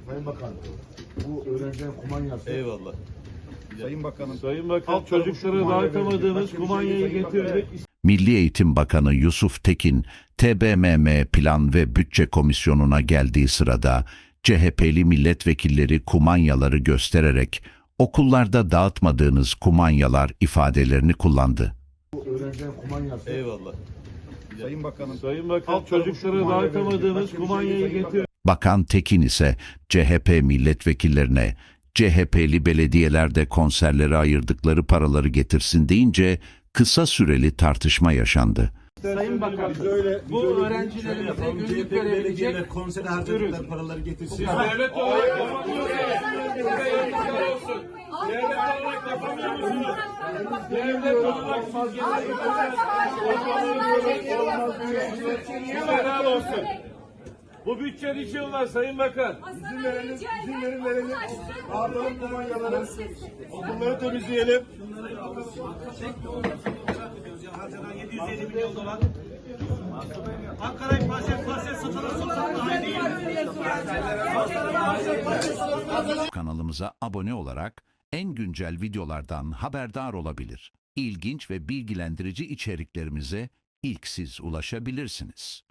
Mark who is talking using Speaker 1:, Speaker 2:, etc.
Speaker 1: Sayın Bakan, bu öğrencilerin kumanyası.
Speaker 2: Eyvallah.
Speaker 3: Sayın Bakan çocuklara dağıtamadığınız kumanyayı getirdik.
Speaker 4: Milli Eğitim Bakanı Yusuf Tekin, TBMM Plan ve Bütçe Komisyonu'na geldiği sırada CHP'li milletvekilleri kumanyaları göstererek okullarda dağıtmadığınız kumanyalar ifadelerini kullandı.
Speaker 1: Bu öğrencilerin kumanyası.
Speaker 2: Eyvallah.
Speaker 3: Sayın Bakan çocuklara dağıtamadığınız kumanyayı getirdik.
Speaker 4: Bakan Tekin ise CHP milletvekillerine CHP'li belediyelerde konserlere ayırdıkları paraları getirsin deyince kısa süreli tartışma yaşandı.
Speaker 5: Sayın Bakan, bu öğrencilerimize günlük verebilecek
Speaker 2: konsere harcadıkları paraları getirsin.
Speaker 3: Devlet olarak yapamıyorsunuz. Devlet olarak yapamıyorsunuz. Devlet olarak helal olsun. Bu bütçe için var Sayın Bakan.
Speaker 1: İzin verelim. Dağıtalım kumanyaları. Okulları temizleyelim.
Speaker 2: Ankara'yı parça satalım daha iyi değil.
Speaker 4: Kanalımıza abone olarak en güncel videolardan haberdar olabilir. İlginç ve bilgilendirici içeriklerimize ilk siz ulaşabilirsiniz.